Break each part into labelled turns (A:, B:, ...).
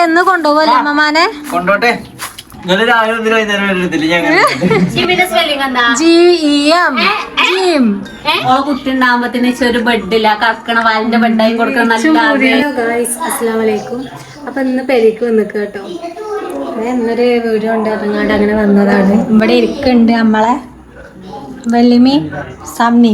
A: എന്ന് കൊണ്ടുപോകല്ലേ അമ്മമാനെ
B: കൊണ്ടോട്ടെ.
C: കുട്ടി ഉണ്ടാകുമ്പത്തിന് ഒരു ബെഡില്ല കറക്കണ വാലിന്റെ ബെഡായി കൊടുക്കണം.
A: അസ്സലാമലൈക്കും. അപ്പൊ ഇന്ന് പെരിക്ക് വന്നിക്ക് കേട്ടോ. ഇന്നൊരു വീഡിയോ ഉണ്ട് ഇറങ്ങാണ്ട് അങ്ങനെ വന്നതാണ്. ഇവിടെ ഇരിക്കുന്നുണ്ട് നമ്മളെ വെള്ളിമി സമ്മി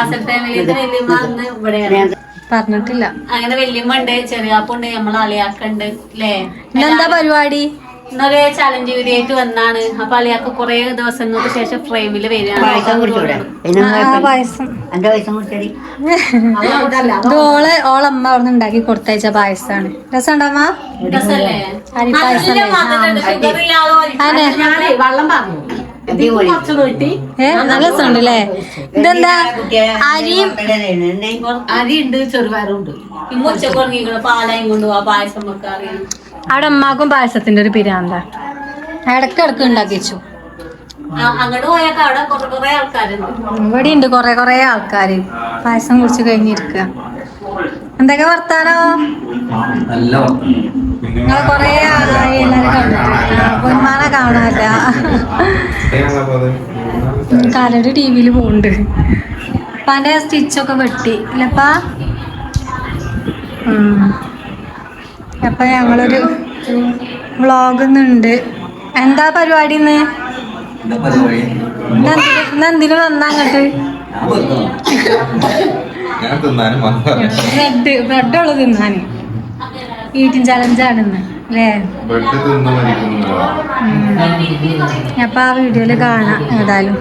A: പറഞ്ഞിട്ടില്ല.
C: അങ്ങനെ വല്യമ്മ ഉണ്ട്, ചെറിയാപ്പുണ്ട്, നമ്മളെ അളിയാക്കുണ്ട് അല്ലേ.
A: ഇന്നെന്താ പരിപാടി?
C: ഇന്നൊരു ചലഞ്ച് വീഡിയോ ആയിട്ട് വന്നാണ്. അപ്പൊ അളിയാക്ക് കുറെ ദിവസങ്ങൾക്ക് ശേഷം ഫ്രെയിമില് വരികയാണ്.
A: ഓളമ്മ അവിടെ ഉണ്ടാക്കി കൊടുത്തയച്ച പായസാണ്. രസമുണ്ടമ്മ? അരി പായസം നല്ല രസമുണ്ടല്ലേ. ഇതെന്താ അരിയും
C: അരിയുണ്ട്, ചെറുപയറുണ്ട്. പാലായും കൊണ്ടുപോവാ പായസം വെക്കാറിയാണ്.
A: അവിടെ അമ്മാക്കും പായസത്തിന്റെ ഒരു പിരാന്ത. ഇടക്കിടക്ക് ഉണ്ടാക്കി വെച്ചു.
C: അങ്ങോട്ട് പോയാൽ അവിടെ കുറെ ആൾക്കാരുണ്ട്.
A: ഇവിടെ ഉണ്ട് കൊറേ ആൾക്കാര് പായസം കുടിച്ച് കഴിഞ്ഞിരിക്കുക. എന്തൊക്കെ വർത്താനോ? നിങ്ങൾ കൊറേ ആളായി എല്ലാരും കണ്ടിട്ട്. പൊന്മാനെ കാണാല്ല. കാലൊരു ടിവിയില് പോണ്ട്. പല സ്റ്റിച്ചൊക്കെ വെട്ടി ഇല്ലപ്പാ. അപ്പൊ ഞങ്ങളൊരു വ്ളോഗ് ഇന്നുണ്ട്. എന്താ പരിപാടി ഇന്ന്? ഇന്നെന്തിനു വന്നാ അങ്ങോട്ട്? ബ്രെഡ് ഉള്ളത് തിന്നാന്. ഈറ്റിംഗ് ചലഞ്ചാണിന്ന് അല്ലേ? അപ്പൊ ആ വീഡിയോയില് കാണാം. ഏതായാലും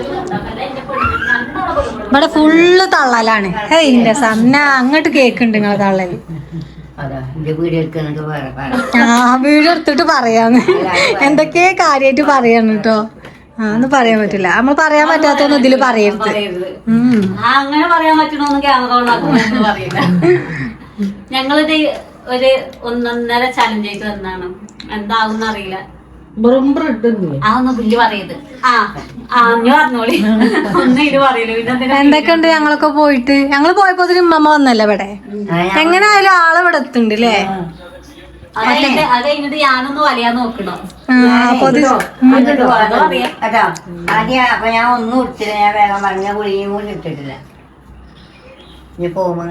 A: ഇവിടെ ഫുള്ള് തള്ളലാണ്. ഇന്റെ സന്ന അങ്ങോട്ട് കേക്കുണ്ട് നിങ്ങളെ തള്ളല്. വീഡിയോ എടുത്തിട്ട് പറയാന്ന് എന്തൊക്കെ കാര്യായിട്ട് പറയാന്ന് കേട്ടോ. ഒന്ന് പറയാൻ പറ്റില്ല. നമ്മൾ പറയാൻ പറ്റാത്തൊന്നും ഇതില് പറയരുത്.
C: അങ്ങനെ പറയാൻ പറ്റണോന്ന് ക്യാമറ പറയില്ല. ഞങ്ങളിത് ഒരു 1.5 ചലഞ്ച് ആയിട്ട് വന്നാണ്. എന്താവും അറിയില്ല. അതൊന്നും പുല്ല് പറയത്. പറഞ്ഞോളി. ഒന്നും ഇത് പറയല്ലോ.
A: എന്തൊക്കെയുണ്ട്? ഞങ്ങളൊക്കെ പോയിട്ട് ഞങ്ങള് പോയപ്പോ ഉമ്മ വന്നല്ലേ ഇവിടെ. എങ്ങനെ ആയാലും ആള് ഇവിടെ എത്തുന്നുണ്ട് അല്ലേ?
C: അത് കഴിഞ്ഞിട്ട് ഞാനൊന്ന് വലിയാൻ നോക്കണോ?
D: ഞാൻ ഒന്നും ഇട്ടില്ല. ഞാൻ വേഗം പറഞ്ഞ കുളിയും കൂടി ഇട്ടിട്ടില്ല. ഇനി പോകുമ്പോ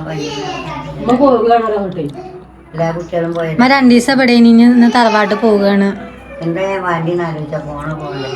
D: എല്ലാ കുട്ടികളും പോയത്
A: 2 ദിവസം ഇവിടെ ഇനി തറവാട്ട് പോവുകയാണ്.
D: എന്താ ഞാൻ വണ്ടിന്ന് ആലോചിച്ച പോകണ്ടേ.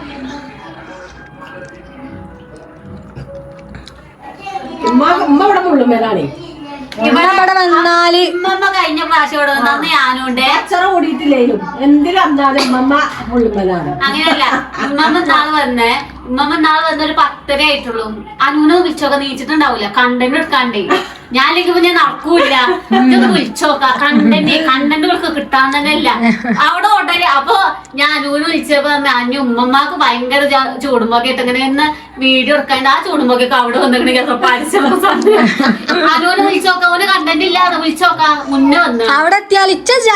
A: ഇവിടെ വന്നാല്
C: ഉമ്മ കഴിഞ്ഞ പ്രാവശ്യം ഇവിടെ വന്നു ഞാനുണ്ട്.
E: കൂടിയിട്ടില്ലേലും എന്തിനും വന്നാലും
C: അങ്ങനെയല്ല. ഉമ്മ നാള് വന്നൊരു 10:30 ആയിട്ടുള്ളൂ. അനുവിനെ വിളിച്ചൊക്കെ നീച്ചിട്ടുണ്ടാവൂല. കണ്ടന്റ് എടുക്കാണ്ടേ. ഞാൻ ഞാൻ നടക്കൂല. ഇതൊന്ന് വിളിച്ചോക്കാം. കണ്ടന്റ് വിളിക്ക് കിട്ടാൻ തന്നെ ഇല്ല അവിടെ ഓട്ടല്. അപ്പൊ ഞാൻ അനുവിനെ വിളിച്ചപ്പോ അഞ്ഞു ഉമ്മമാക്ക് ഭയങ്കര ചൂടുമ്പോക്കെ ഇട്ടങ്ങനെ എന്ന് വീഡിയോ എടുക്കാണ്ട് ആ ചൂടുമ്പോക്കൊക്കെ അവിടെ വന്നിട്ടുണ്ടെങ്കിൽ പരിശ്രമം അനുവിനെ വിളിച്ചോക്കാം. ഓന് കണ്ടന്റ് ഇല്ലാതെ വിളിച്ചോക്കാം. മുന്നേ വന്നു
A: അവിടെ എത്തിയാൽ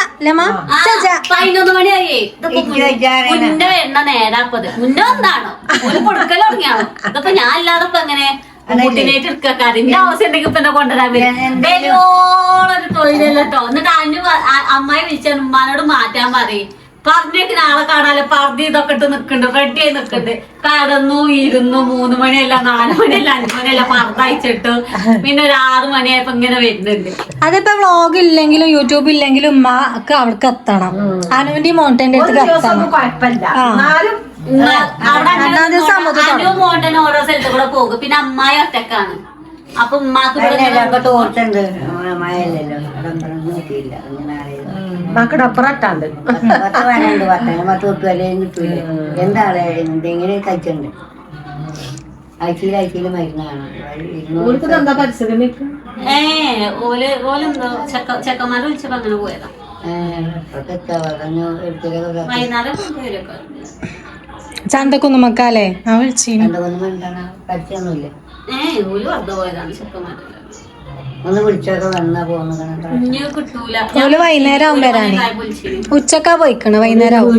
C: 11 മണിയായി. മുന്നേ വരുന്ന നേരാപ്പത് മുന്നേ വന്നാണോ ഒരു കൊടുക്കൽ തുടങ്ങിയാണോ? ഇതിപ്പോ ഞാൻ ഇല്ലാതപ്പോ എങ്ങനെ കുട്ടിനായിട്ട് എടുക്കാറിന്റെ ആവശ്യം ഉണ്ടെങ്കിൽ ഇപ്പൊ എന്നെ കൊണ്ടുവരാൻ വരും. തൊഴിലല്ലോ. എന്നിട്ട് അമ്മായി വിളിച്ച ഉമ്മാനോട് മാറ്റാൻ പറയും. പറഞ്ഞേക്ക് നാളെ കാണാലോ. പറഞ്ഞ് ഇതൊക്കെ ഇട്ട് നിക്കുന്നുണ്ട്. റെഡി ആയി നിക്കുന്നുണ്ട്. കടന്നു ഇരുന്നു. 3 മണിയല്ല 4 മണിയല്ല 5 മണിയല്ല പറഞ്ഞയച്ചിട്ടു. പിന്നെ ഒരു 6 മണിയായപ്പോ ഇങ്ങനെ വരുന്നുണ്ട്.
A: അതിപ്പോ വ്ളോഗ് ഇല്ലെങ്കിലും യൂട്യൂബ് ഇല്ലെങ്കിലും ഉമ്മക്ക് അവിടേക്ക് എത്തണം. അനുവിന്റെ മോണ്ടന്റെ അടുത്ത് എത്തണം.
C: മോണ്ടന് ഓരോ സ്ഥലത്ത് കൂടെ പോകും. പിന്നെ അമ്മായി ഒറ്റക്കാണ്. അപ്പൊ ഉമ്മാക്ക്
D: തോർത്തുണ്ട്. മഴയല്ലല്ലോ. നോക്കിയില്ല.
E: മക്കളുടെ അപ്പുറട്ടാണ്ട്
D: 10 വിലയും കിട്ടൂല. എന്താണ് എന്തെങ്കിലും കഴിച്ചുണ്ട്. ആഴ്ചയിൽ മരുന്ന് കാണാം.
C: ഓലെന്തോ ചെക്കന്മാരെ വിളിച്ചപ്പോ അങ്ങനെ പോയതാ. വൈകുന്നേരം
A: ചന്തക്കൊന്നും മക്കാലേ ഞാൻ വിളിച്ചില്ല.
D: കഴിച്ചൊന്നുമില്ല.
C: ഓല് വെറുതെ പോയതാണ് ചെക്കന്മാരെ.
D: ഒന്ന് വിളിച്ചൊക്കെ വന്നാ പോകുന്ന
C: കിട്ടൂല.
A: ഓല് വൈകുന്നേരം ആവും വരാന്. ഉച്ചക്കാ പോയിക്കണ്. വൈകുന്നേരം ആവും.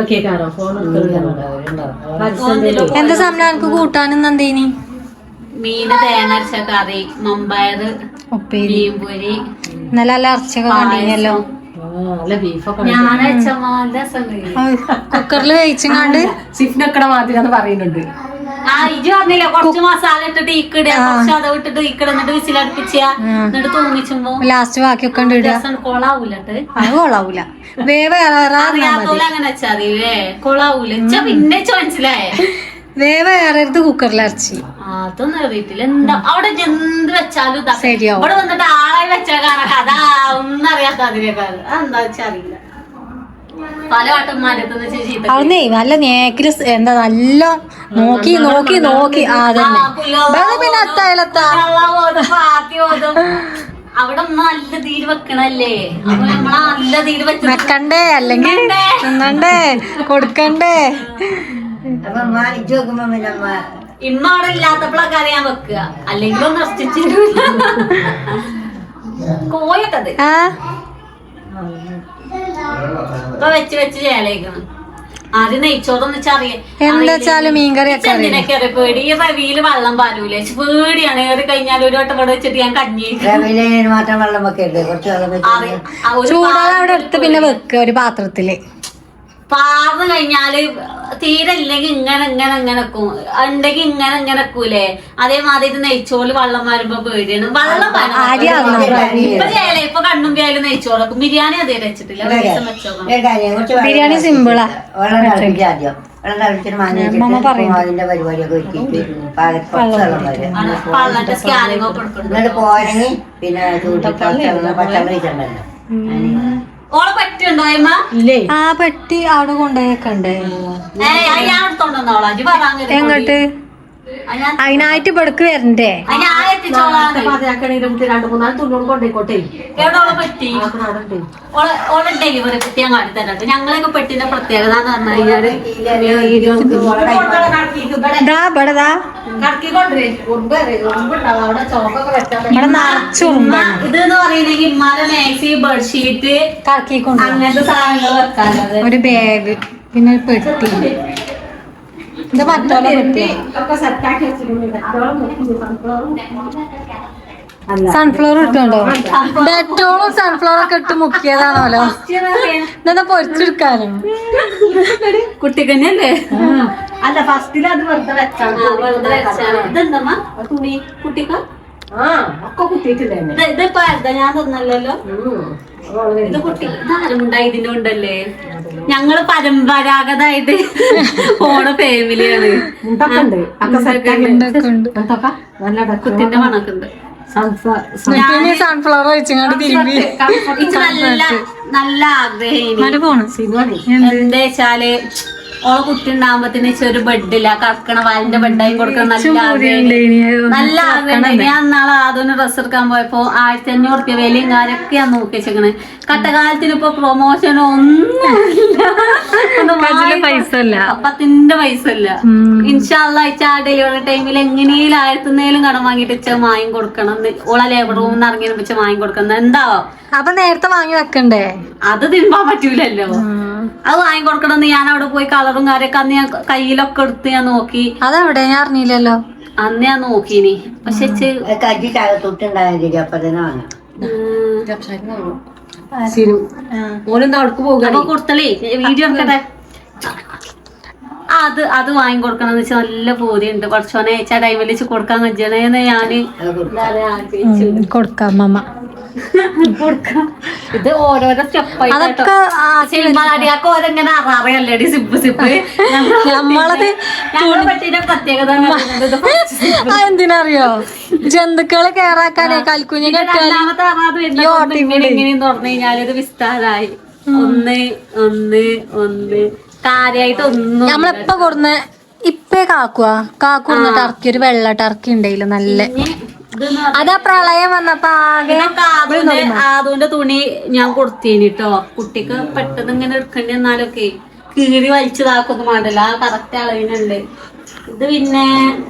A: എന്താ സമയം എനിക്ക് കൂട്ടാനും എന്തേനി?
C: മീന് തേങ്ങ അരച്ച കറി, മമ്പയർ ഉപ്പേരി,
A: നല്ല ഇറച്ചിയൊക്കെ കണ്ടിനല്ലോ.
E: നല്ല ബീഫൊക്കെ
C: ഞാൻ അച്ഛമാന്റെ രസമുണ്ട്.
A: കുക്കറിൽ വേവിച്ചങ്ങാണ്ട്
E: സിഫിനൊക്കെ മാതിരി പറയുന്നുണ്ട്.
C: ആ ഇജ് പറഞ്ഞില്ല കുറച്ച് മസാല ഇട്ടിട്ട് ഇക്കിടുക, കുറച്ച് അത് ഇട്ടിട്ട് ഇക്കിട, എന്നിട്ട് വിസിലടുപ്പിച്ച, എന്നിട്ട് തൂങ്ങിച്ചുമ്പോ
A: ലാസ്റ്റ് ബാക്കിയൊക്കെ ഉണ്ട് ഇടുക.
C: രസം കൊളാവൂലട്ട്.
A: അത് കൊള്ളാവൂല. വേവ്
C: അറിയാത്തോലെ അങ്ങനെ വെച്ചാ മതില്ലേ, കൊളാവൂല. പിന്നെ മനസ്സിലായേ
A: വേവ് ഏറരുത് കുക്കറിൽ ഇറച്ചി.
C: അതൊന്നും അറിയത്തില്ല. എന്താ അവിടെ എന്ത് വെച്ചാലും ഇതാ.
A: ശരിയാവും.
C: ഇവിടെ വന്നിട്ട് ആളായി വെച്ചാൽ കാണാം അതാ ഒന്നും അറിയാത്ത അതിനേക്കാൾ അതെന്താ വെച്ചാ അറിയില്ല. പല വട്ടന്മാരത്ത് ചീത്ത
A: അവിടുന്ന് നല്ല നേക്കില് എന്താ നല്ല നോക്കി നോക്കി നോക്കി അതന്നെ പിന്നെ അത്തായാലത്താ
C: അവിടെ നല്ല തീര് വെക്കണല്ലേ, അപ്പൊ നമ്മളാ നല്ല തീര്
A: വെക്കണ്ടേ അല്ലെങ്കിൽ തിന്നണ്ടേ കൊടുക്കണ്ടേ.
D: അപ്പൊ അമ്മ ഇജ്ജ് നോക്കുമ്പോ പിന്നെ അമ്മ
C: ഇമ്മ അവിടെ ഇല്ലാത്തപ്പോഴൊക്കെ അറിയാൻ വെക്കുക, അല്ലെങ്കിൽ ഒന്ന് നശിച്ചിട്ട് കോയൊക്കെ അത്
A: ആ
C: ഇപ്പൊ വെച്ച് വെച്ച് ചേലേക്കണം. ആദ്യം നെയ്ച്ചോറൊന്ന്
A: എന്താച്ചാലും മീൻകറിയൊക്കെ
C: എന്തിനൊക്കെ പേടി. ഈ റവിയില് വെള്ളം പാരൂലേ, പേടിയാണ്. ഏറി കഴിഞ്ഞാൽ ഒരു വട്ടം ഇവിടെ വെച്ചിട്ട് ഞാൻ കഞ്ഞി
D: റവിയില് മാത്രം വെള്ളം വെക്കരുത്, കുറച്ച് വെള്ളം വെച്ച്
A: ചൂടാതെ അവിടെ എടുത്ത് പിന്നെ വെക്കുക ഒരു പാത്രത്തില്.
C: പാർന്ന് കഴിഞ്ഞാല് തീരെ ഇല്ലെങ്കിൽ ഇങ്ങനെ ഇങ്ങനെ ഇങ്ങനെ വെക്കും, ഉണ്ടെങ്കിൽ ഇങ്ങനെ ഇങ്ങനെ വെക്കൂലേ. അതേമാതിരി നെയ്ച്ചോറ് വെള്ളം വരുമ്പോ പേടിയാണ്. വെള്ളം ഇപ്പൊ ചെയ്യലേ, ഇപ്പൊ കണ്ണും പേയാലും നെയ്ച്ചോറ് വെക്കും. ബിരിയാണി അതേ വെച്ചിട്ടില്ല.
A: ബിരിയാണി സിമ്പിളാ.
D: വെള്ളം തിളപ്പിക്കുക ആദ്യം. വെള്ളം തിളപ്പിച്ചിട്ട് മാങ്ങ അതിന്റെ പരിപാടിയൊക്കെ ഒരുക്കിയിട്ട്
C: പള്ളന്റെ സ്കാനിങ് ഒക്കെ എടുക്കണം.
D: എന്നിട്ട് പോരെങ്കിൽ പിന്നെ പച്ചക്കറി ഇട്ടുണ്ടല്ലോ.
C: ഓളെ പറ്റുണ്ടോ അമ്മ?
A: ആ പെട്ടി അവിടെ കൊണ്ടുപോയേക്കണ്ടേ.
C: ഞാൻ എടുത്തോണ്ടോളാ ഇജ്ജ് പറയാൻ.
A: എങ്ങോട്ട് അതിനായിട്ട് ഇവിടക്ക് വരണ്ടേ?
C: ഞാൻ എത്തിച്ചോളാം.
E: 2-3 തുന്നോട് കൊണ്ടേക്കോട്ടെ.
C: എവിടെ ഓളെ പറ്റി? ഓളെ ഡെലിവറി കുട്ടി ഞാൻ കാട്ടി തരാം. ഞങ്ങളൊക്കെ പെട്ടിന്റെ പ്രത്യേകത എന്ന് പറഞ്ഞു കഴിഞ്ഞാല് ഇതെന്ന് പറയുന്നെങ്കിൽ ഇമ്മാരെ മാക്സി ബെഡ്ഷീറ്റ് അങ്ങനത്തെ സാധനങ്ങൾ വെക്കാനുള്ളത്.
A: ഒരു ബാഗ് പിന്നെ ഒരു പെട്ടി. ഇത് മറ്റോലെ പെട്ടി. സൺഫ്ലവർ ഇട്ടുണ്ടോ? ഡെറ്റോളും സൺഫ്ലവർ ഒക്കെ ഇട്ട് മുക്കിയതാണല്ലോ. ഇതെന്താ പൊരിച്ചെടുക്കാനും
C: കുട്ടിക്ക് തന്നെയല്ലേ?
E: അല്ല ഫസ്റ്റില് അത് വെറുതെ വെച്ചാണ്.
C: ഇതെന്തമ്മ തുണി കുട്ടിക്ക്
E: ഒക്കെ കുത്തിയിട്ടില്ലേ.
C: ഇതിപ്പോ ഞാൻ തന്നല്ലോ. ഇത് കുട്ടി ഇതാരുമുണ്ടായി ഇതിന്റെ ഉണ്ടല്ലേ. ഞങ്ങള് പരമ്പരാഗതമായിട്ട് പോണ ഫാമിലിയാണ്.
E: നല്ല
C: കുത്തിന്റെ മണൊക്കെ ഉണ്ട്.
A: സൺഫ്ലവർ വെച്ചങ്ങാണ്ട് തിരുമ്പി
C: നല്ല ആഗ്രഹം എന്താ വെച്ചാല് ഓളെ കുട്ടി ഉണ്ടാകുമ്പത്തിന് ഒരു ബെഡില്ല കറക്കണ വാലിന്റെ ബെഡായി കൊടുക്കണം. നല്ല ആഗ്രഹം നല്ല ആഗ്രഹം. ഞാൻ നാളെ അതൊന്ന് ഡ്രസ് എടുക്കാൻ പോയപ്പോ 1500 റുപ്യ വിലയും കാര്യമൊക്കെ ഞാൻ നോക്കി വെച്ചേക്കണ്. കട്ടകാലത്തിന് ഇപ്പൊ പ്രൊമോഷനോ ഒന്നുമില്ല,
A: പൈസ ഇല്ല,
C: പത്തിന്റെ പൈസ ഇല്ല. ഇൻഷാല്ലാ ആ ഡെലിവറി ടൈമിൽ എങ്ങനെയും 1000 കടം വാങ്ങിട്ട് വെച്ചാൽ വാങ്ങി കൊടുക്കണം. ഓളെ ലേബർ റൂമിൽ നിന്ന് ഇറങ്ങി വെച്ചാൽ വാങ്ങി കൊടുക്കണം. എന്താവോ
A: അപ്പൊ നേരത്തെ വാങ്ങി വെക്കണ്ടേ?
C: അത് തിരുമ്പാൻ പറ്റൂലല്ലോ. അത് വാങ്ങി കൊടുക്കണം. ഞാൻ അവിടെ പോയി കളറും കാര്യമൊക്കെ അന്ന് ഞാൻ കയ്യിലൊക്കെ എടുത്ത് ഞാൻ നോക്കി.
A: അതെവിടെ ഞാൻ അറിഞ്ഞില്ലല്ലോ.
C: അന്ന് ഞാൻ നോക്കീനി. പക്ഷെ
D: കജ്ജി തൊട്ടുണ്ടായാൽ അപ്പൊ തന്നെ വാങ്ങാം.
E: ഓനെന്താ അവിടേക്ക് പോകുക
C: കൊടുത്തലേ വീഡിയോ എടുക്കട്ടെ. അത് വാങ്ങി കൊടുക്കണം എന്ന് വെച്ചാൽ നല്ല ബോധ്യമുണ്ട്. കുറച്ചോനെ ആ ടൈമിൽ വെച്ച് കൊടുക്കാൻ കഴിയണേന്ന് ഞാന്
A: കൊടുക്കാം മമ്മ.
C: ഇത് ഓരോരോ സ്റ്റെപ്പായിട്ട് ഓരെങ്ങനെ അറിയല്ലേടി സിപ്പ് സിപ്പ്.
A: നമ്മളത്
C: പറ്റിയ പ്രത്യേകത
A: എന്തിനറിയോ? ജന്തുക്കളെ കേറാക്കാനേ കൽക്കുഞ്ഞിനെ
C: രണ്ടാമത്തെ എങ്ങനെയെന്ന് പറഞ്ഞു കഴിഞ്ഞാൽ ഇത് വിസ്താരായി. ഒന്ന് കാര്യായിട്ട് ഒന്നും
A: നമ്മളെപ്പ കൊടുന്ന ഇപ്പേ കാക്കുന്ന ടർക്കി ഒരു വെള്ള ടർക്കി ഉണ്ടായില്ല നല്ല. അതാ പ്രളയം വന്നപ്പോ
C: ആദൂന്റെ തുണി ഞാൻ കൊടുത്തേനിട്ടോ. കുട്ടിക്ക് പെട്ടെന്ന് ഇങ്ങനെ എടുക്കേണ്ടി വന്നാലൊക്കെ കീറി വലിച്ചതാക്കൊന്നും വേണ്ടല്ലോ. ആ കറക്റ്റ് അളവിനുണ്ട്. ഇത് പിന്നെ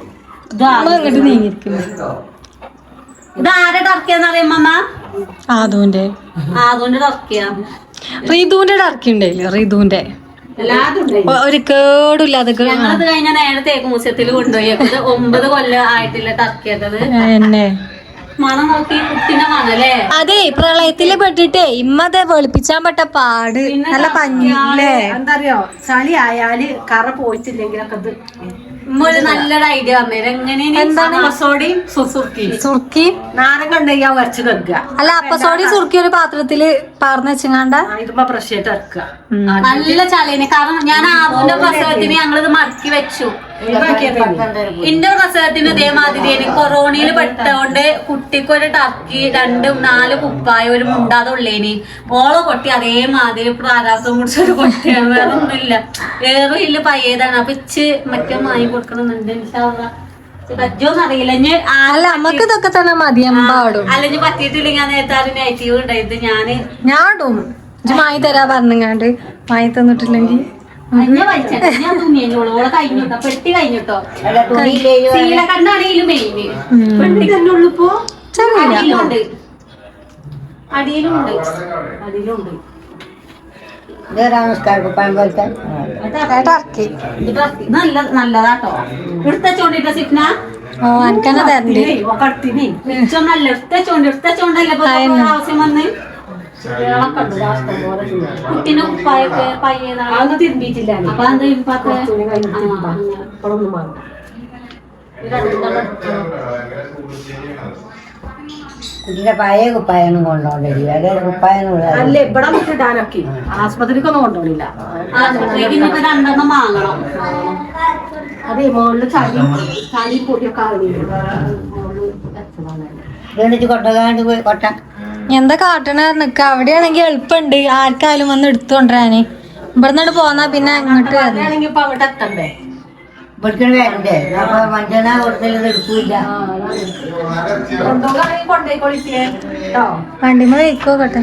C: ഇതാരെ ടർക്കിയാന്ന് അറിയാമ്മ?
A: ആദൂന്റെ
C: ടർക്കിയാ.
A: റിതുവിന്റെ ടർക്കി ഉണ്ടായില്ല. റിതുവിന്റെ ഒരു കേടില്ലാതെ
C: ഞങ്ങളത് കഴിഞ്ഞ നേരെ തേക്ക് മ്യൂസിയത്തിൽ കൊണ്ടുപോയി. 9 കൊല്ലം ആയിട്ടില്ല ടർക്കിയത്.
A: എന്നെ
C: മണം നോക്കി കുട്ടിനെ മണല്ലേ.
A: അതെ പ്രളയത്തില് പെട്ടിട്ടേ ഇമ്മതെ വെളുപ്പിച്ചാൻ പെട്ട പാട് നല്ല പഞ്ഞില്ലേ.
E: എന്താ അറിയോ ചളി ആയാല് കറ പോയിട്ടില്ലെങ്കിലൊക്കെ ഇത്
C: ഒരു നല്ലൊരു ഐഡിയ പറഞ്ഞത് എങ്ങനെയാണ് അപ്പസോടിയും
A: സുർക്കി
E: നാരങ്ങ ഉണ്ടെങ്കിൽ വരച്ച് വെക്കുക.
A: അല്ല അപ്പസോടി സുർക്കി ഒരു പാത്രത്തില് പാർന്ന് വെച്ചങ്ങാണ്ട
E: ഇതുമ്പോ ഫ്രഷ് ആയിട്ട് ഇറക്കുക.
C: നല്ല ചളിന്. കാരണം ഞാൻ ആദ്യത്തെ പ്രസവത്തിന് ഞങ്ങളിത് മടക്കി വെച്ചു. എന്റെ പ്രസവത്തിന് ഇതേമാതിരി എനിക്ക് കൊറോണയിൽ പെട്ടോണ്ട് കുട്ടിക്ക് ഒരു ടർക്കി 2-4 കുപ്പായ ഒരു മുണ്ടാതെ ഉള്ളേനി ഓളെ കൊട്ടി അതേമാതിരി പ്രാരാസം കുടിച്ചൊരു കൊട്ടിയാണ്. വേറെ ഒന്നുമില്ല. വേറെ ഇല്ല പയ്യതാണ്. അപ്പൊ ഇച്ച് മറ്റേ വാങ്ങി കൊടുക്കണമെന്നുണ്ട്. പറ്റോന്ന് അറിയില്ല.
A: അല്ല നമ്മക്ക് ഇതൊക്കെ തന്നെ മതി എമ്പാടും.
C: അല്ലെങ്കിൽ പറ്റിയിട്ടില്ലെങ്കിൽ ഞാൻ നേരത്തെ നെഗറ്റീവ് ഉണ്ടായത്
A: ഞാൻ ഇടും മായി തരാ പറഞ്ഞങ്ങാണ്ട് മായി തന്നിട്ടില്ലെങ്കിൽ
C: ഞാൻ തുണിയോളെ കഴിഞ്ഞിട്ടോ പെട്ടി കഴിഞ്ഞിട്ടോ ശീല കണ്ടാണെങ്കിലും മെയിന് പെട്ടി തന്നെ ഉള്ളു. ഇപ്പൊ അടിയിലുണ്ട് അടിയിലുണ്ട് അടിയിലുണ്ട് നല്ലതാട്ടോ. എടുത്തോണ്ടിട്ടോ സിപ്ന
A: എനിക്കെന്നെ തരണ്ടേ
C: നല്ല എടുത്തോണ്ടല്ലേ ആവശ്യം വന്ന് കുട്ടീനെ ഉപ്പായൊക്കെ പയ്യതാണ്
E: തിരുമ്പിയിട്ടില്ല.
C: അപ്പൊ എന്താ ഇപ്പൊക്കെ
D: കുട്ടിയുടെ പഴയ കുപ്പായൊന്നും കൊണ്ടോണ്ടില്ല. അതേ കുപ്പായൊന്നും
E: അല്ല ഇവിടെ ഇടാനൊക്കെ ആസ്പത്രിക്കൊന്നും കൊണ്ടുപോണില്ല.
C: ആശുപത്രിക്ക് 2 വാങ്ങണം.
E: അതെ മുകളില് ചളി പൊടിയൊക്കെ
D: വീണിച്ച് കൊട്ടകാണ്ട് പോയി കൊട്ട
A: എന്താ കാട്ടണ നിക്ക. അവിടെയാണെങ്കിൽ എളുപ്പമുണ്ട് ആർക്കായാലും വന്ന് എടുത്തുകൊണ്ടിരാന്. ഇവിടുന്ന് പോന്നാ പിന്നെ അങ്ങോട്ട്
E: ആണെങ്കിൽ ഇപ്പൊ അങ്ങോട്ട് എത്തണ്ടേ.
D: ഇവിടുത്തെ വരണ്ടേ. അപ്പൊ മഞ്ചന കൊടുത്തത് എടുക്കൂല.
E: കൊണ്ടോയിക്കോളിക്കേ കേട്ടോ.
A: വണ്ടിമ വെക്കോട്ടെ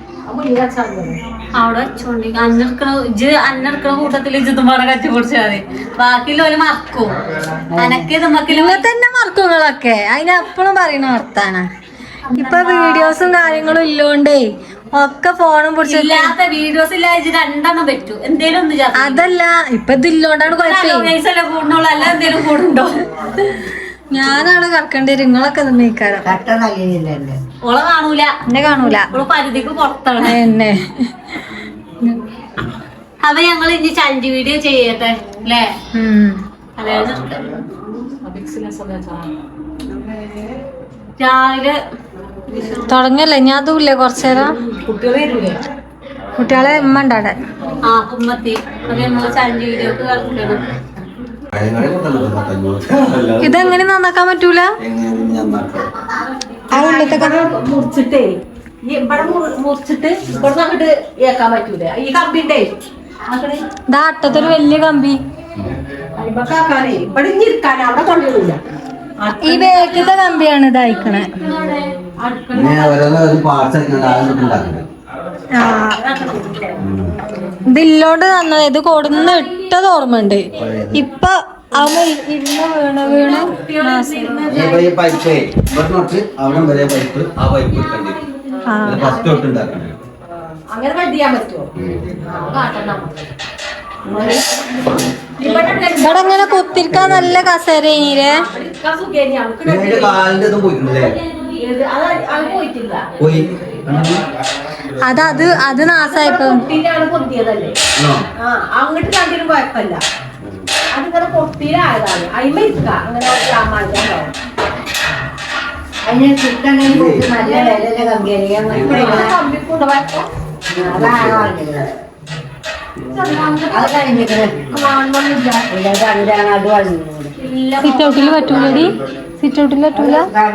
C: അവിടെ വെച്ചോണ്ടി അന്നെടുക്കണ കൂട്ടത്തില് ഇതുമ്പാടെ കറ്റി പൊടിച്ചാൽ മതി. ബാക്കിയുള്ള ഒരു മറക്കും. അനക്ക് ഇതുമ്മക്കില്
A: തന്നെ മറക്കുകളൊക്കെ അതിനെപ്പോഴും പറയുന്ന വർത്താന. ഇപ്പൊ വീഡിയോസും കാര്യങ്ങളും ഇല്ലോണ്ടേ ഒക്കെ ഫോണും
C: ഇല്ലാത്ത വീഡിയോസ് ഇല്ലാതെ 2 പറ്റൂ. എന്തേലും ഒന്ന്
A: അതല്ല ഇപ്പൊ ഇതില്ലോണ്ടാണ് കുഴപ്പമില്ല.
C: കൂടുന്നുള്ളൂ. അല്ല എന്തേലും കൂടുണ്ടോ?
A: ഞാനാണ് കറക്കേണ്ടി വരും. നിങ്ങളൊക്കെ നീക്കാരം
D: കട്ട നല്ലില്ലല്ലേ.
C: ഓളെ കാണൂല.
A: എന്നെ കാണൂല.
C: ഓള് പരിധിക്ക് പുറത്താണ്
A: എന്നെ.
C: അപ്പൊ ഞങ്ങൾ ഇനി ചലഞ്ച് വീഡിയോ ചെയ്യട്ടെ അല്ലേ? അതായത് രാവിലെ
A: തുടങ്ങല്ലേ ഞാൻ അതുമില്ലേ കുറച്ചേരം കുട്ടികളെ ഉമ്മ ഉണ്ടാടെ
C: കുമ്മത്തി. അപ്പൊ ഞങ്ങള് ചലഞ്ച് വീഡിയോക്ക് കളിക്കണം.
A: ഇതെങ്ങനെ നന്നാക്കാൻ പറ്റൂല. ആ ഉള്ളിലത്തെ
E: മുറിച്ചിട്ടേ ഇവിടെ മുറിച്ചിട്ട് ഇവിടെ അങ്ങോട്ട് ഏക്കാൻ പറ്റൂല. ഈ കമ്പിണ്ടേ
A: ഇതാ അട്ടത്തൊരു വലിയ കമ്പി.
E: അരിമക്കാക്കാനേ ഇവിടെ ഇരിക്കാനേ അവിടെ കൊണ്ടുപോയില്ല.
A: ഈ ബേക്കത്തെ കമ്പിയാണ് ഇതായിക്കണേ. ഇതില്ലോണ്ട് നന്നത്. ഇത് കൊടുന്ന് ഇട്ടത് ഓർമ്മയുണ്ട്. ഇപ്പൊ അവ ഇരുന്ന് വീണ്
E: അങ്ങനെ കണ്ടിയാൻ പറ്റുമോ?
A: ഇവിടെ ഇങ്ങനെ കുത്തിരിക്കാൻ നല്ല കസേര ഇനിയില്ലേ. അത് നാസായപ്പോ
E: അങ്ങോട്ട് കണ്ടിനും കുഴപ്പമില്ല. അതിങ്ങനെ പൊട്ടിയിലായതാണ്. അയിമ ഇരിക്ക അങ്ങനെ
D: അതിന് ചിക്കൻ നല്ല വില കമ്പിയായിരിക്കാം.
A: സിറ്റ് ഔട്ടിൽ പറ്റൂലടി. സിറ്റ് ഔട്ടിൽ പറ്റൂല.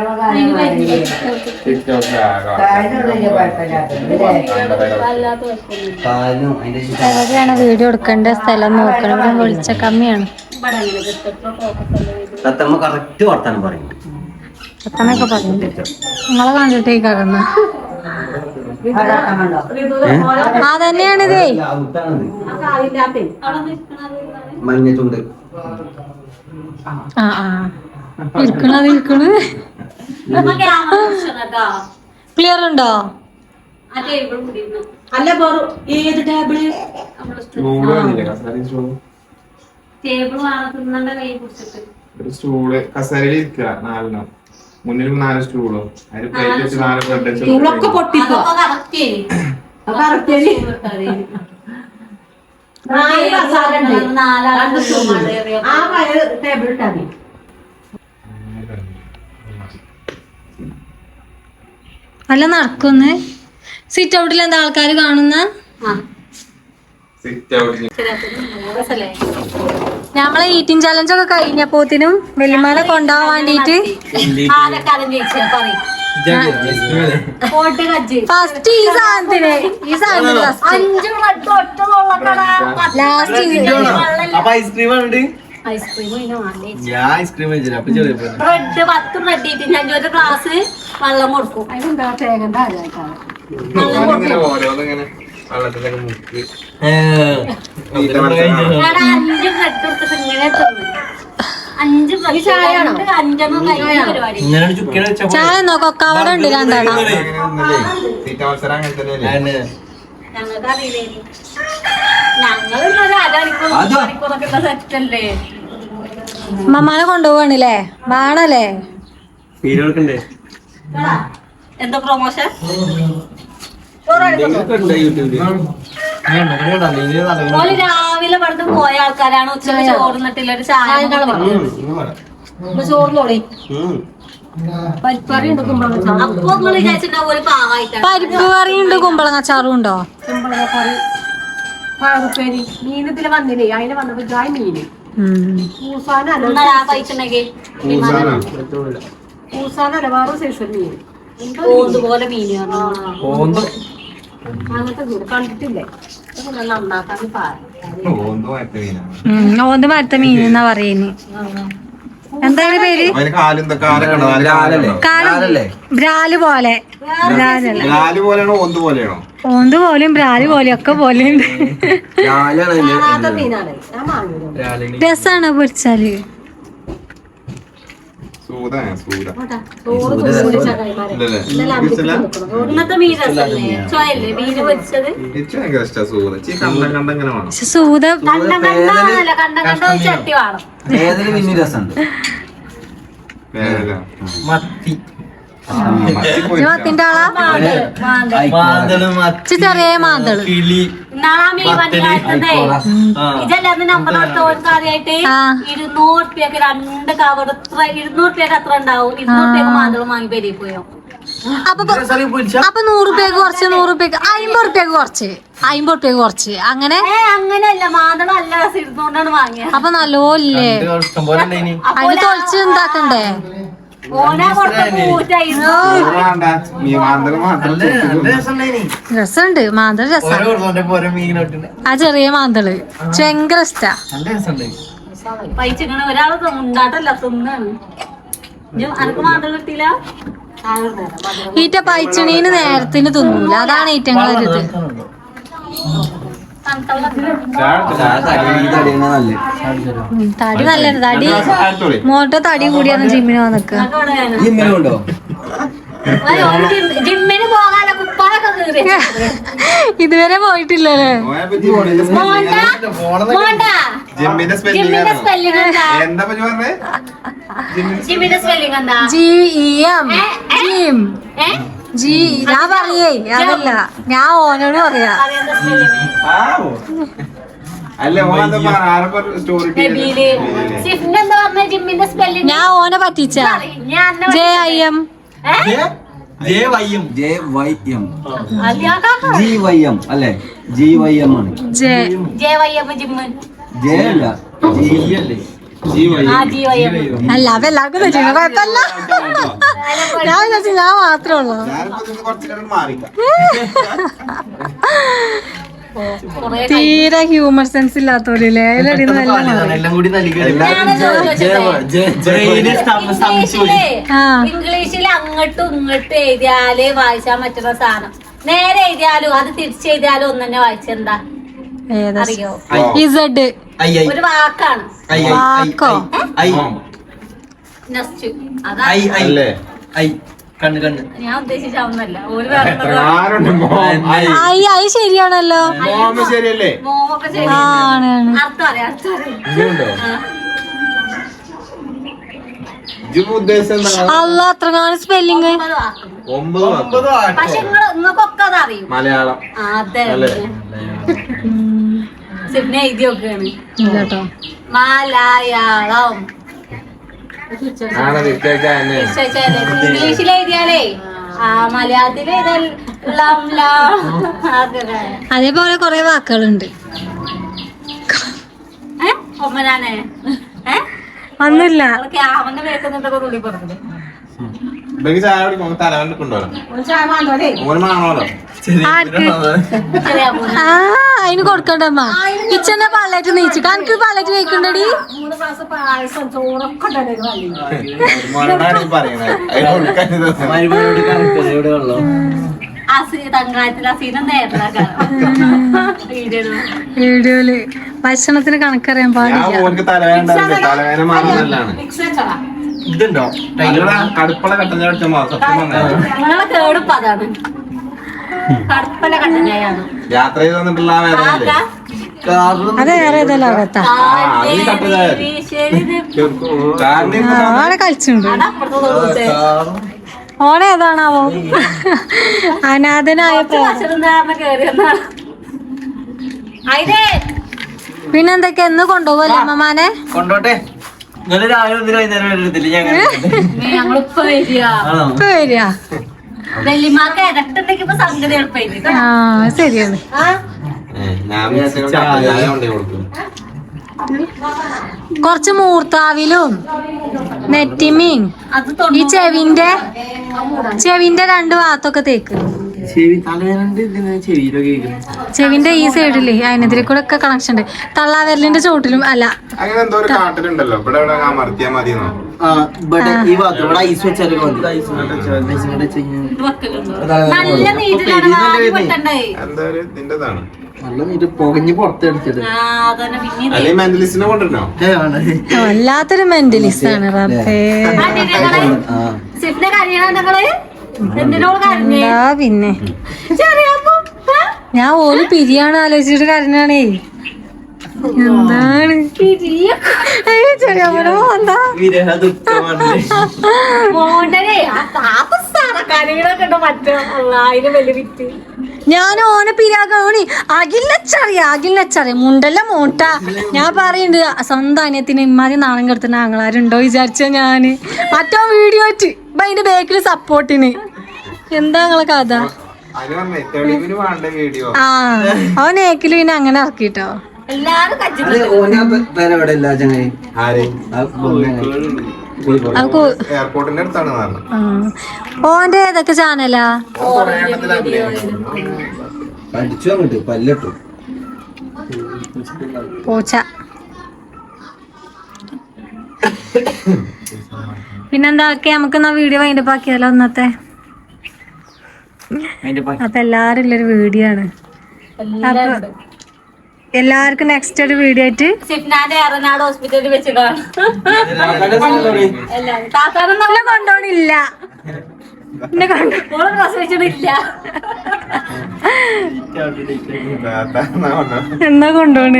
A: എവിടെയാണ് വീഡിയോ എടുക്കേണ്ട സ്ഥലം നോക്കണം. ഇവിടെ വെളിച്ച കമ്മിയാണ്. പത്തനൊക്കെ പറഞ്ഞു നിങ്ങളെ കണ്ടിട്ടേ കറന്ന അതന്നെയാണിതേ.
B: മഞ്ഞച്ചുണ്ട്
A: ഇരിക്കണത് ക്ലിയർ ഉണ്ടോ?
E: അല്ല ഏത് ടേബിള്
C: ടേബിൾ തിന്നണ്ട കൈ പിടിച്ചിട്ട്
F: ഒരു സ്റ്റൂള് കസേരയിൽ ഇരിക്കുക 4 മുന്നിൽ 4 സ്റ്റൂളോ അതിന് പ്ലേറ്റ് വെച്ച് 4 ബ്രെഡ് വെച്ച്
E: സ്കൂളൊക്കെ പൊട്ടിപ്പോ ആ പഴയ ടേബിൾ ഇട്ടാ മതി.
A: അല്ല നടക്കുന്ന് സിറ്റ് ഔട്ടിൽ എന്താ ആൾക്കാർ കാണുന്ന ഞമ്മളെ ഈറ്റിംഗ് ചലഞ്ച് ഒക്കെ കഴിഞ്ഞപ്പോത്തിനും വെല്ലുമാനെ കൊണ്ടുപോകാൻ വേണ്ടിട്ട് ഫസ്റ്റ് ഈ സാധനത്തിന് ലാസ്റ്റ്
B: ഐസ്ക്രീം ഉണ്ട്. ഞാൻ ഐസ്ക്രീം കഴിച്ചില്ല. അപ്പൊ ചെറിയ
C: ബ്രെഡ് 10 ബ്രെഡ് ഇട്ട് ഞാൻ ഒരു ഗ്ലാസ് വെള്ളം കൊടുക്കും.
E: അതിനെന്താ തേങ്ങ ആരായിട്ടാണ്
F: ഓരോന്നിങ്ങനെ വെള്ളത്തിലൊക്കെ മുക്കി
C: 5 ബ്രെഡ് എടുത്തിട്ട് ഇങ്ങനെ തിന്നു. 5 ബ്രെഡ് 5 പരിപാടി.
B: ഇങ്ങനെ ചുക്കിനെ വെച്ച
A: ചായ നോക്കോ കവർ ഉണ്ട് രണ്ടെണ്ണം
F: തീറ്റ മത്സരം അങ്ങനെ തന്നെയല്ലേ.
C: ഞങ്ങൾക്ക് അറിയില്ലേ ഞങ്ങളൊരു അരമണിക്കൂറൊക്കെ സെറ്റല്ലേ.
A: മമ്മാനെ കൊണ്ടുപോവാണല്ലേ വേണല്ലേ
B: പീരകൾക്കുണ്ടേ
C: എന്താ പ്രൊമോഷൻ? ഓല് രാവിലെ പടുത്ത് പോയ ആൾക്കാരാണ്. ഉച്ചക്ക് ചോർന്നിട്ടില്ല ഒരു ചായ
E: ചോറിനോളി പരിപ്പറി ഉണ്ട് കുമ്പളങ്ങ
C: അപ്പൊ നിങ്ങൾ വിചാരിച്ചിട്ടുണ്ടാവും ഒരു പാവായിട്ടാണ്.
A: പരിപ്പ് കറിയുണ്ട് കുമ്പളങ്ങ ചാറും ഉണ്ടോ
E: കുമ്പളങ്ങക്കറി പയറുപ്പേരി മീനത്തില് വന്നില്ലേ അതിന് വന്നപ്പോ ജായ് മീന് പൂസാനല്ല
C: കഴിച്ചിട്ടുണ്ടെങ്കിൽ
E: പൂസാനല്ല വേറെ സൈസ് മീൻ
C: പോലെ മീന്
E: അങ്ങനത്തെ മീൻ കണ്ടിട്ടില്ലേ നന്നാക്കാൻ
F: ഓന്തോ മറ്റേ മീനാണ്.
A: ഓന്ത് മരത്ത മീൻ എന്നാ പറയുന്നത്. എന്താണ് പേര്?
F: അതിന് കാലും കാലൊക്കെ ഉണ്ടോ?
A: ബ്രാല് പോലെ. ബ്രാലല്ല
F: കാല് പോലെയാണോ ഓന്ത് പോലെയാണോ?
A: ഓന്ത് പോലെയും ബ്രാല് പോലെയും ഒക്കെ പോലെയുണ്ട്.
E: മീനാണ് ഞാൻ വാങ്ങിയത്.
A: രസാണ് പൊരിച്ചാല്.
C: ഇന്നത്തെ മീൻ രസല്ലേ? ചോയല്ലേ മീന് പൊരിച്ചത്?
F: ഭയങ്കര ഇഷ്ടാ സൂത. കണ്ടങ്ങനെ വേണം.
A: പക്ഷെ സൂത
C: കണ്ടല്ല കണ്ട ഒരു ചട്ടി വേണം.
B: ഏതൊരു മീൻ രസമുണ്ട്. മത്തി
A: മത്തിന്റെ ആളാ ചെറിയ മാന്തള്
C: ഇന്നാളാ മീൻ വണ്ടി കാട്ടുന്നേ ഇതല്ലാതെ നമ്മുടെ കാര്യമായിട്ട് 200 റുപ്യക്ക് 2 കവർ 200 റുപ്യക്ക് എത്ര ഉണ്ടാവും? 200 റുപ്യക്ക് മാന്തളം വാങ്ങി പെരി പോയോ?
A: അപ്പൊ 100 റുപ്യക്ക് കുറച്ച് 100 റുപ്യക്ക് 50 റുപ്യക്ക് കുറച്ച് 50 റുപ്യക്ക് കുറച്ച് അങ്ങനെ
C: അങ്ങനെയല്ല മാന്തളം നല്ല രസം 200 വാങ്ങിയ.
A: അപ്പൊ നല്ലോല്ലേ അതിന് തൊളിച്ച് ഉണ്ടാക്കണ്ടേ?
C: ഓനാ കൊടുത്ത പൂറ്റായിരുന്നു.
A: രസമുണ്ട് മാന്തള് രസം. ആ ചെറിയ മാന്തള് ഭയങ്കര ഇഷ്ടാ.
C: പൈച്ചിങ്ങനെ ഒരാള് ഉണ്ടാട്ടല്ല തിന്നാണ്. അനക്ക് മാന്തളം കിട്ടിയില്ല.
A: ഈറ്റ പൈച്ചണീന് നേരത്തിന് തിന്നൂല അതാണ് ഈറ്റങ്ങളൊരിത്. തടി നല്ലത് തടി മോട്ട തടി കൂടിയാണ് ജിമ്മിന് വന്നിക്കുക.
C: ജിമ്മിന് പോകാനോ കുപ്പാനൊക്കെ കീറി
A: ഇതുവരെ പോയിട്ടില്ലല്ലേ?
C: ജിമ്മിന്റെ സ്പെല്ലിംഗ് എന്താ?
A: GEM ജിം ജി ഞാൻ പറയേ അതല്ല ഞാൻ ഓനോട് പറയാ. ഞാൻ ഓനെ പറ്റിച്ച JIM
B: GYM അല്ലേ? GYM ആണ്.
C: JYM ജിമ്മ്
A: അല്ല അപ്പൊ എല്ലാവർക്കും തെറ്റില്ല കുഴപ്പമില്ല. ഞാൻ വിചാരിച്ചു ഞാൻ മാത്രമേ ഉള്ളൂ. തീരെ ഹ്യൂമർ സെൻസ് ഇല്ലാത്തോലേ
C: ഇംഗ്ലീഷിൽ അങ്ങോട്ടും ഇങ്ങോട്ടും എഴുതിയാലേ വായിച്ചാൻ പറ്റുന്ന സാധനം. നേരെ എഴുതിയാലും അത് തിരിച്ചെഴുതിയാലും ഒന്ന് തന്നെ വായിച്ചെന്താ അറിയോ? ഒരു വാക്കാണ്.
A: വാക്കോ
C: നെക്സ്റ്റ് ഞാൻ ഉദ്ദേശിച്ചാവുന്നല്ല. ഒരു
A: അത് ശരിയാണല്ലോ.
F: ശരിയല്ലേ?
C: മോമൊക്കെ ശരി.
A: ആണ്
C: അർത്ഥം അറിയാം.
F: ഉദ്ദേശം എന്താ?
A: അല്ല അത്രങ്ങാണ് സ്പെല്ലിങ്.
F: 9
C: പക്ഷെ നിങ്ങൾക്കൊക്കെ അതറിയും.
F: മലയാളം
C: അതെ
F: അല്ലേ?
C: സിപ്നെ എഴുതി നോക്കുകയാണ്.
A: ഇല്ലട്ടോ.
C: മലയാളം
F: ആണ് നിശ്ചയിച്ചതന്നെ.
C: ഇംഗ്ലീഷിൽ എഴുതിയാലേ മലയാളത്തിൽ
A: അതേപോലെ കൊറേ വാക്കുകളുണ്ട്.
C: ഒമ്മനാനെ
A: ഒന്നുമില്ല.
C: ക്യാമന്റെ വേക്കുന്നുണ്ടൊക്കെ തുള്ളി പറഞ്ഞത്.
F: ഇവർക്ക് ചായ കുടിക്കുമ്പോ തലവൻ കൊണ്ടുവരാം. ഓന് മാണോലോ.
A: ആർക്ക്? ആ അതിന് കൊടുക്കണ്ടമ്മ. കിച്ചന്റെ പള്ളേറ്റ് നീച്ചു. കണക്ക് പള്ളേറ്റ് വെക്കണ്ടടി.
E: 3 ഗ്ലാസ് പായസം ചോറൊക്കെ
F: മോനോടാണ് പറയണത്. അതിന് കൊടുക്കാൻ
C: തങ്കായത്തിൽ അസീനം
A: വീഡിയോയില് ഭക്ഷണത്തിന് കണക്കറിയാൻ
F: ഞാൻ
A: പാടില്ല.
F: ഓർക്ക് തലവേന തലവേന മാറുന്നല്ലാണ്.
B: ഇതുണ്ടോ?
F: കടുപ്പള കട്ടൻ ചായ അടിച്ച സത്യം വന്നത്
C: ഞങ്ങളെ കേടുപ്പ് അതാണ്. കടുപ്പല കട്ടൻ ചായയാണ്.
F: യാത്ര ചെയ്ത് വന്നിട്ടുള്ള ആ വേദനല്ലേ?
A: അത് വേറെ ഏതോ ലോകത്താ. ആടെ കളിച്ചുണ്ട്. ഓണേതാണാവോ? അനാഥനായ പിന്നെന്തൊക്കെ എന്ന് കൊണ്ടുപോകല്ലേ അമ്മമാനെ?
B: കൊണ്ടോട്ടെ. നിങ്ങള് രാവിലെ ഒന്നിനും വൈകുന്നേരം വരത്തില്ല.
C: ഞങ്ങളിപ്പോ വരിക
A: ഇപ്പൊ വരിക.
C: വെല്ലിമാർക്ക് ഇരട്ടുണ്ടെങ്കിൽ ഇപ്പൊ സംഗതി എളുപ്പമായിരിക്കും.
A: ആ ശരിയാണ്.
F: ഞാൻ ചായ കൊണ്ടേ കൊടുക്കും.
A: കൊറച്ച് മൂർത്താവിലും നെറ്റിമീൻ ഈ ചെവിന്റെ 2 ഭാഗത്തൊക്കെ തേക്ക്. ചെവിന്റെ ഈ സൈഡില് അതിനെതിരെ കൂടെ ഒക്കെ കണക്ഷൻ ഉണ്ട്. തള്ളാവിരലിന്റെ ചോട്ടിലും അല്ല.
F: അങ്ങനെ എന്തോ ഒരു കാട്ടിലുണ്ടല്ലോ. ഇവിടെ ഇവിടെ അമർത്തിയാ മതിയെന്നോ?
B: ഈ ഭാഗത്ത് ഇവിടെ ഐസ് വെച്ചാലും
C: നല്ല നീറ്റിലാണ് വാരി പെട്ടണ്ടേ.
F: എന്താ ഒരു ഇതിന്റെതാണ്.
B: നല്ല നീറ്റ് പുകഞ്ഞ് പുറത്തെടുത്തത്.
C: അതന്നെ പിന്നെ
F: അല്ലെങ്കിൽ മെന്റലിസ്റ്റിനെ കൊണ്ടിരുന്നോ?
A: വല്ലാത്തൊരു മെന്റലിസ്റ്റ് ആണ് റബ്ബേ.
C: സിഫിന്റെ കരയണ ഞങ്ങള് എന്തിനോട് കരഞ്ഞേ?
A: എന്താ പിന്നെ
C: ചെറിയപ്പോ
A: ഞാൻ ഓല് പിരിയാണ് ആലോചിച്ചിട്ട് കരഞ്ഞാണേ. എന്താണ് ചെറിയ എന്താ
C: മോണ്ടനെ കരകളൊക്കെ ഉണ്ടോ മറ്റോ അതിന് വലിയ വിറ്റ്.
A: ഞാൻ ഓനെ പിരാഗോണി അഖിലിനച്ചറിയ മുണ്ടല്ല മൂട്ട. ഞാൻ പറയുന്നുണ്ട് സ്വന്തം അനിയത്തിന് ഇമ്മാതി നാണം കെടുത്തുന്ന ആങ്ങളാരുണ്ടോ വിചാരിച്ച ഞാന്. മറ്റോ വീഡിയോ അതിന്റെ ബേക്കില് സപ്പോർട്ടിന്. എന്താ നിങ്ങളെ കഥ? ആ അവൻ ഏക്കില് പിന്നെ അങ്ങനെ ഇറക്കിട്ടോ.
C: എല്ലാരും കജ്ജി
F: എയർപോർട്ടിന്റെ അടുത്താണ്
A: ഓന്റെ ഏതൊക്കെ ചാനലാ?
B: അടിച്ചു അങ്ങോട്ട് പല്ലട്ടു
A: പൂച്ച. പിന്നെന്താ നമുക്ക് എന്നാ വീഡിയോ വൈൻഡപ്പ് ആക്കിയാലോ ഇന്നത്തെ. അപ്പൊ എല്ലാരും ഉള്ളൊരു വീഡിയോ ആണ്. അപ്പൊ എല്ലാവർക്കും നെക്സ്റ്റ് ഒരു വീഡിയോ ആയിട്ട്
C: സിഫ്നാന്റെ എറനാട് ഹോസ്പിറ്റലിൽ വെച്ച് കാണാം.
A: കൊണ്ടോണില്ല.
C: പ്രസവിച്ചിട്ടില്ല.
A: എന്നാ കൊണ്ടോണ്?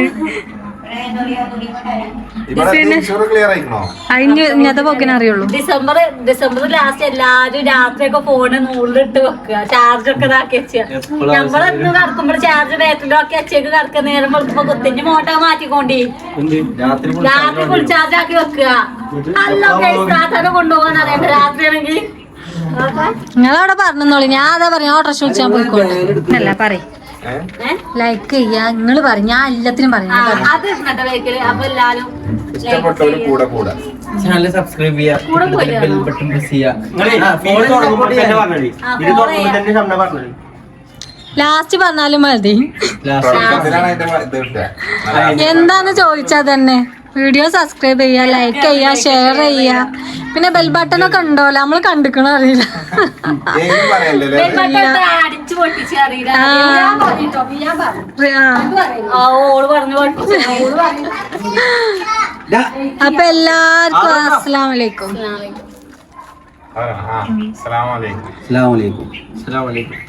F: ക്ലിയർ ആയിക്കണോ?
A: അതിന് ഇന്നത്തെ പോക്കിനെ അറിയുള്ളൂ.
C: ഡിസംബർ ലാസ്റ്റ് എല്ലാരും രാത്രിയൊക്കെ ഫോണ് നൂറിലിട്ട് വെക്കുക. ചാർജ് ഒക്കെ ഇതാക്കി വെച്ച നമ്മളെന്ന് കടക്കുമ്പോൾ ചാർജ് ബാറ്ററിയിലൊക്കെ വെച്ചേക്ക് കടക്കുക. നേരം വെളുക്കുമ്പോ കുത്തിന്റെ മോട്ട മാറ്റിക്കൊണ്ടേ രാത്രി ഫുൾ ചാർജ് ആക്കി വെക്കുക. അല്ല കൊണ്ടുപോകാൻ അറിയണ്ട രാത്രിയാണെങ്കിൽ.
A: നിങ്ങളവിടെ പറഞ്ഞോളി. ഞാൻ അതാ പറയാ ഓട്ടോറിക്ഷ വിളിച്ചാൽ പോയിക്കോട്ടെ. അല്ല പറയും ലൈക്ക് ചെയ്യാ. നിങ്ങള് പറയും. ഞാൻ എല്ലാത്തിനും പറയും.
C: അത് ഇന്നത്തെ വേക്കല്. അപ്പൊ എല്ലാരും
F: ഇഷ്ടപ്പെട്ടവര് കൂടെ
B: ചാനൽ സബ്സ്ക്രൈബ് ചെയ്യാ. ബെൽ ബട്ടൺ പ്രസ് ചെയ്യാ.
A: ലാസ്റ്റ് പറഞ്ഞാലും മതി.
F: തുടക്കത്തിലാണ് അതിന്റെ ഇത് കിട്ടുക.
A: എന്താന്ന് ചോദിച്ചാ തന്നെ വീഡിയോ സബ്സ്ക്രൈബ് ചെയ്യാ, ലൈക്ക് ചെയ്യാ, ഷെയർ ചെയ്യാ. പിന്നെ ബെൽ ബട്ടൺ ഒക്കെ ഉണ്ടോല്ലോ നമ്മള് കണ്ടിക്കണോ അറിയില്ല.
F: ഏതും പറയല്ലേ?
C: അടിച്ചു പൊട്ടിച്ച് അറിയില്ല. ഓള് പറഞ്ഞു പൊട്ടിച്ചു.
A: അപ്പൊ എല്ലാവർക്കും അസ്സലാമു അലൈക്കും.
F: അസ്സലാമു അലൈക്കും.
B: അസ്സലാമു അലൈക്കും.